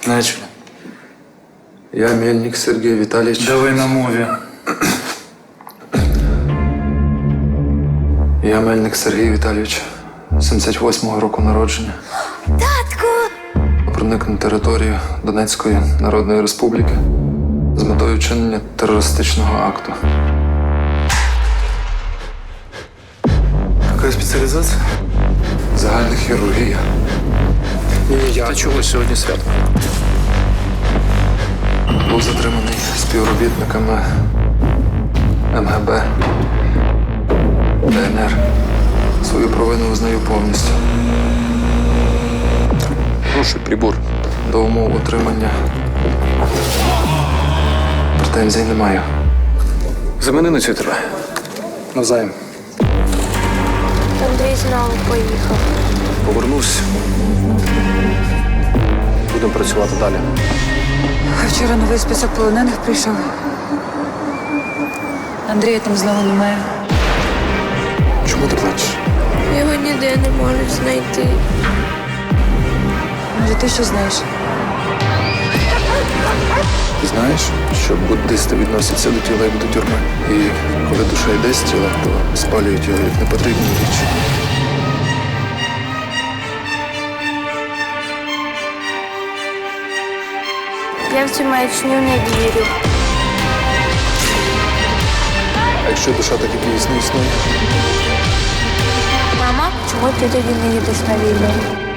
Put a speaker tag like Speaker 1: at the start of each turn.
Speaker 1: Начали.
Speaker 2: Я Мельник Сергій Віталійович.
Speaker 1: Давай на мові.
Speaker 2: Я Мельник Сергій Віталійович, 78-го року народження.
Speaker 3: Татку!
Speaker 2: Проник на територію Донецької Народної Республіки з метою вчинення терористичного акту.
Speaker 1: Яка спеціалізація?
Speaker 2: Загальна хірургія.
Speaker 1: Та чого сьогодні свято?
Speaker 2: Був затриманий співробітниками МГБ, ДНР. Свою провину визнаю повністю.
Speaker 1: Прошу, прибор.
Speaker 2: До умов отримання претензій не маю.
Speaker 1: Замени на цю тебе. Навзаєм.
Speaker 3: Андрій знову поїхав.
Speaker 1: Повернусь. Будемо працювати далі.
Speaker 4: А вчора новий список полонених прийшов. Андрія там знову немає.
Speaker 2: Чому ти плачеш?
Speaker 3: Його ніде не можуть знайти.
Speaker 4: Може, ти що знаєш?
Speaker 2: Ти знаєш, що буддисти відносяться до тіла як до тюрми. І коли душа йде з тіла, то спалюють його як непотрібні річі.
Speaker 3: Я в цю маячню не вірю.
Speaker 2: А якщо душа так і дійсно існує?
Speaker 3: Мама, чому ти тоді не їдеш на війну?